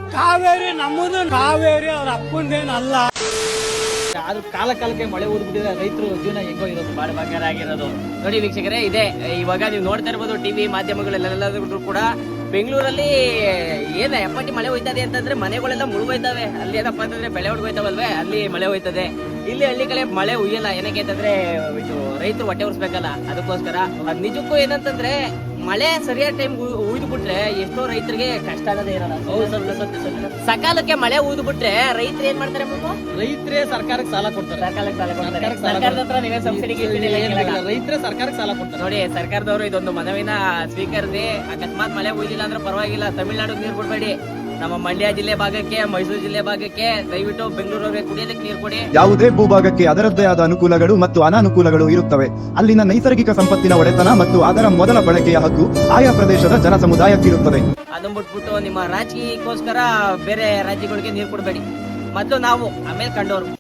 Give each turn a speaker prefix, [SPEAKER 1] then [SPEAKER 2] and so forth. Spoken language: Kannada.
[SPEAKER 1] ಕಾವೇರಿ ನಮ್ಮದು, ಕಾವೇರಿ ಅವ್ರ ಅಪ್ಪಂದೇನಲ್ಲ.
[SPEAKER 2] ಆದ್ರೂ ಕಾಲಕ್ಕೆ ಮಳೆ ಊದ್ಬಿಟ್ಟಿದ್ರೆ ರೈತರು ಜೀವನ ಹೆಂಗೋ ಇರೋದು ಬಾಳ ಬಂಗಾರ ಆಗಿರೋದು. ನೋಡಿ ವೀಕ್ಷಕರೇ, ಇದೆ ಇವಾಗ ನೀವು ನೋಡ್ತಾ ಇರ್ಬೋದು ಟಿವಿ ಮಾಧ್ಯಮಗಳೆಲ್ಲರೂ ಕೂಡ ಬೆಂಗಳೂರಲ್ಲಿ ಏನ ಎಪ್ಪಟ್ಟಿ ಮಳೆ ಹೋಯ್ತದೆ ಅಂತಂದ್ರೆ ಮನೆಗಳೆಲ್ಲ ಮುಳುಗೋಯ್ತವೆ. ಅಲ್ಲಿ ಏನಪ್ಪಾ ಅಂತಂದ್ರೆ ಬೆಳೆ ಹೊಡ್ಗೋಯ್ತವಲ್ವೇ, ಅಲ್ಲಿ ಮಳೆ ಹೋಯ್ತದೆ. ಇಲ್ಲಿ ಹಳ್ಳಿ ಕಡೆ ಮಳೆ ಹುಯ್ಯಲ್ಲ. ಏನಕ್ಕೆ ಅಂತಂದ್ರೆ ಇದು ರೈತರು ಹೊಟ್ಟೆ ಉರ್ಸ್ಬೇಕಲ್ಲ, ಅದಕ್ಕೋಸ್ಕರ. ನಿಜಕ್ಕೂ ಏನಂತಂದ್ರೆ ಮಳೆ ಸರಿಯಾದ ಟೈಮ್ ಉಯ್ದು ಬಿಟ್ರೆ ಎಷ್ಟೋ ರೈತರಿಗೆ ಕಷ್ಟ ಆಗದೆ ಇರಲ್ಲ. ಸಕಾಲಕ್ಕೆ ಮಳೆ ಉಯ್ದು ಬಿಟ್ರೆ ರೈತರು ಏನ್ ಮಾಡ್ತಾರೆ?
[SPEAKER 3] ರೈತರೇ ಸರ್ಕಾರಕ್ಕೆ ಸಾಲ ಕೊಡ್ತಾರೆ.
[SPEAKER 2] ಸರ್ಕಾರದ ಹತ್ರ ನೀವೇ ಸಬ್ಸಿಡಿ
[SPEAKER 3] ರೈತರೇ ಸರ್ಕಾರಕ್ಕೆ ಸಾಲ ಕೊಡ್ತಾರೆ.
[SPEAKER 2] ನೋಡಿ, ಸರ್ಕಾರದವರು ಇದೊಂದು ಮನವಿನ ಸ್ವೀಕರಿಸಿ ಅಕಸ್ಮಾತ್ ಮಳೆ ಉಯ್ದಿಲ್ಲ ಅಂದ್ರೆ ಪರವಾಗಿಲ್ಲ, ತಮಿಳ್ನಾಡಿಗೆ ನೀರು ಕೊಡ್ಬೇಡಿ. ನಮ್ಮ ಮಂಡ್ಯ ಜಿಲ್ಲೆ ಭಾಗಕ್ಕೆ, ಮೈಸೂರು ಜಿಲ್ಲೆ ಭಾಗಕ್ಕೆ ದಯವಿಟ್ಟು ಬೆಂಗಳೂರಿಗೆ ಕುಡಿಯೋದಕ್ಕೆ ನೀರು ಕೊಡಿ.
[SPEAKER 4] ಯಾವುದೇ ಭೂಭಾಗಕ್ಕೆ ಅದರದ್ದೇ ಆದ ಅನುಕೂಲಗಳು ಮತ್ತು ಅನಾನುಕೂಲಗಳು ಇರುತ್ತವೆ. ಅಲ್ಲಿನ ನೈಸರ್ಗಿಕ ಸಂಪತ್ತಿನ ಒಡೆತನ ಮತ್ತು ಅದರ ಮೊದಲ ಬಳಕೆಯ ಹಕ್ಕು ಆಯಾ ಪ್ರದೇಶದ ಜನ ಸಮುದಾಯಕ್ಕಿರುತ್ತದೆ.
[SPEAKER 2] ಅದನ್ನ ಬಿಟ್ಬಿಟ್ಟು ನಿಮ್ಮ ರಾಜಕೀಯಕ್ಕೋಸ್ಕರ ಬೇರೆ ರಾಜ್ಯಗಳಿಗೆ ನೀರು ಕೊಡಬೇಡಿ. ಮೊದಲು ನಾವು, ಆಮೇಲೆ ಕಂಡವರು.